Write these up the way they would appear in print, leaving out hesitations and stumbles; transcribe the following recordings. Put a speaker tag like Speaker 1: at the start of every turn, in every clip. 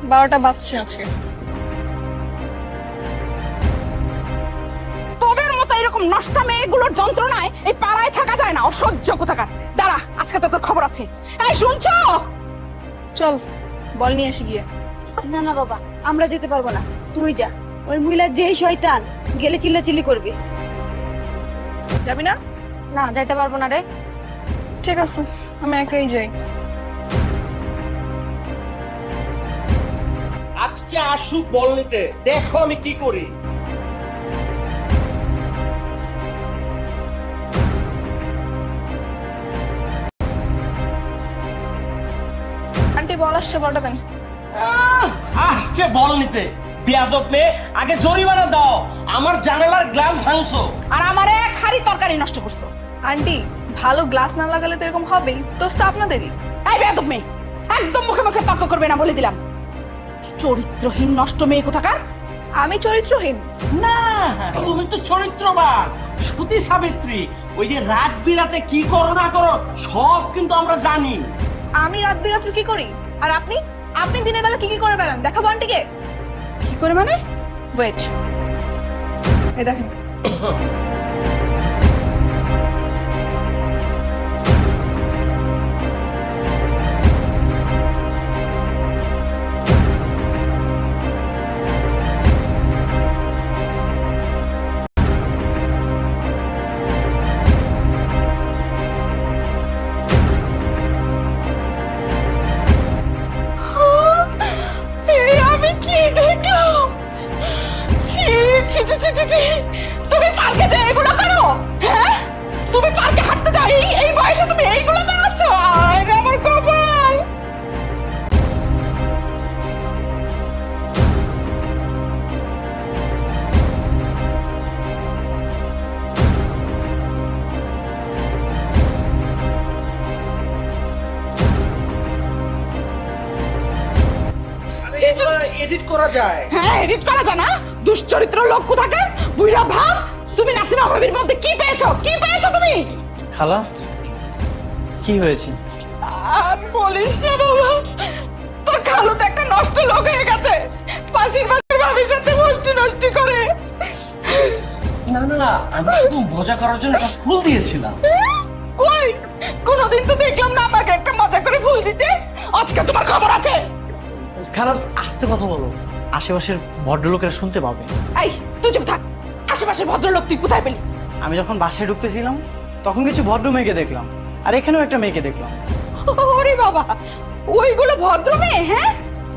Speaker 1: 12টা বাজছে আজকে।
Speaker 2: তোদের মতো এরকম নষ্ট মেয়েগুলোর যন্ত্রণায় এই পাড়ায় থাকা যায় না, অসহ্য কোথাকার। দাঁড়া, আজকে তো তোর খবর আছে। এই শুনছো?
Speaker 1: চল বল নিয়ে আসি গিয়ে।
Speaker 3: না না বাবা, আমরা যেতে পারবো না, তুই যা। ওই মহিলা যেই শয়তান, গেলে চিল্লাচিল্লি করবে।
Speaker 1: যাবি না?
Speaker 3: না, যাইতে পারবো না রে।
Speaker 1: ঠিক আছে, আমি একাই যাই।
Speaker 4: আজকে আসুক বল নিতে, দেখো আমি কি করি।
Speaker 1: আন্টি বল আসছে, বলটা দেন।
Speaker 4: আসছে বল নিতে। বেয়াদব মেয়ে, আগে জরিমানা দাও। আমার জানালার গ্লাস ভাঙছো
Speaker 2: আর আমার এক হাড়ি তরকারি নষ্ট করছো।
Speaker 1: আন্টি ভালো গ্লাস না লাগালে তো এরকম হবেই, দোষ তো আপনাদেরই।
Speaker 2: এই বেয়াদব মেয়ে, একদম মুখে মুখে তর্ক করবে না বলে দিলাম। চরিত্রহীন নষ্ট মেয়ে কোথাকার।
Speaker 1: আমি চরিত্রহীন?
Speaker 4: না, তুমি তো চরিত্রবান, সতী সাবিত্রী। ওই যে রাত বিরাতে কি করো না করো সব কিন্তু আমরা জানি।
Speaker 1: আমি রাত বিরাত্রি কি করি? আর আপনি আপনি দিনের বেলা কি কি করে বেড়ান দেখাবো আন্টিকে?
Speaker 2: কি করে মানে?
Speaker 1: ওয়েট, এই দেখেন।
Speaker 2: এই আমি কি দেখলাম? ছি ছি ছি ছি ছি ছি। তুমি পার্কে যাও এগুলো করো? হ্যাঁ, তুমি পার্কে হাঁটতে যাও, এই বয়সে তুমি এইগুলো বেড়াচ্ছ? আরে আমার কপাল।
Speaker 4: এডিট করা যায়।
Speaker 2: হ্যাঁ, এডিট করা যায় না? দুশ্চরিত্র লোক কোথাকার, বুইড়া ভাব। তুমি নাসিমা ভাবির মধ্যে কি পেয়েছো? কি পেয়েছো তুমি?
Speaker 5: খালা, কি হয়েছে?
Speaker 2: আর বলিস না বাবা, তোর খালু তো একটা নষ্ট লোক হয়ে গেছে। পাশের ভাবির সাথে মস্তি নষ্টি করে।
Speaker 4: না না না, আমি শুধু মজা করার জন্য একটা ফুল দিয়েছিলাম।
Speaker 2: কই, কোনোদিন তো দেখলাম না আমাকে একটা মজা করে ফুল দিতে। আজকে তোমার খবর আছে।
Speaker 5: খালা, আস্তে কথা বলো, আশেপাশের ভদ্রলোকেরা শুনতে পাবে।
Speaker 2: এই তুই চুপ থাক। আশেপাশের ভদ্রলোক তুই কোথায় পেলি?
Speaker 5: আমি যখন বাসায় ঢুকতেছিলাম তখন কিছু ভদ্র মেয়েকে দেখলাম, আর এখানেও একটা মেয়েকে দেখলাম।
Speaker 2: ওরে বাবা, ওইগুলো ভদ্র মেয়ে? হ্যাঁ,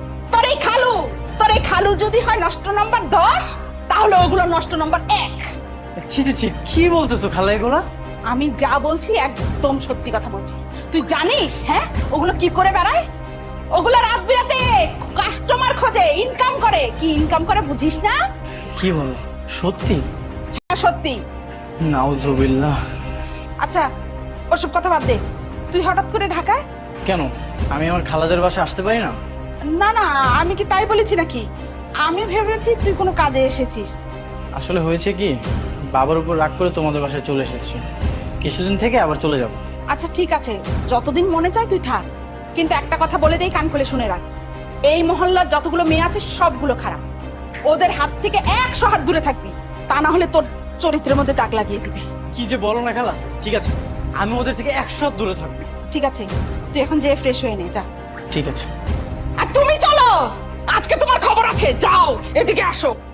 Speaker 2: তোর এই খালু যদি হয় নষ্ট নাম্বার 10, তাহলে ওগুলো নষ্ট নাম্বার 1।
Speaker 5: ছি ছি ছি, কি বলতেছো খালা এগুলা?
Speaker 2: আমি যা বলছি একদম সত্যি কথা বলছি। তুই জানিস হ্যাঁ ওগুলো কি করে বেড়ায়? ওগুলো রাত বিরাতে কাস্টমার খোঁজে, ইনকাম করে। কি ইনকাম করে বুঝিস না?
Speaker 5: কি বলো, সত্যি?
Speaker 2: হ্যাঁ সত্যি।
Speaker 5: নাউজুবিল্লাহ।
Speaker 2: আচ্ছা ওসব কথা বাদ দে, তুই হঠাৎ করে ঢাকায়?
Speaker 5: কেন, আমি আমার খালাদের বাসায় আসতে পারি না?
Speaker 2: না না, আমি কি তাই বলেছি নাকি? আমি ভেবেছি তুই কোনো কাজে এসেছিস।
Speaker 5: আসলে হয়েছে কি, বাবার উপর রাগ করে তোমাদের বাসায় চলে এসেছি, কিছুদিন থেকে আবার চলে যাব।
Speaker 2: আচ্ছা ঠিক আছে, যতদিন মনে চায় তুই থাক, কিন্তু একটা কথা বলে দেই, কান খুলে শুনে রাখ। এই মহল্লার যতগুলো মেয়ে আছে সবগুলো খারাপ। ওদের হাত থেকে 100 হাত দূরে থাকবি, তা না হলে তোর চরিত্রের মধ্যে দাগ লাগিয়ে দিবে।
Speaker 5: কি যে বলো না খালা। ঠিক আছে, আমি ওদের থেকে 100 হাত দূরে থাকবো।
Speaker 2: ঠিক আছে, তুই এখন যেয়ে ফ্রেশ হয়ে নে, যা।
Speaker 5: ঠিক আছে।
Speaker 2: আর তুমি চলো, আজকে তোমার খবর আছে। যাও, এদিকে আসো।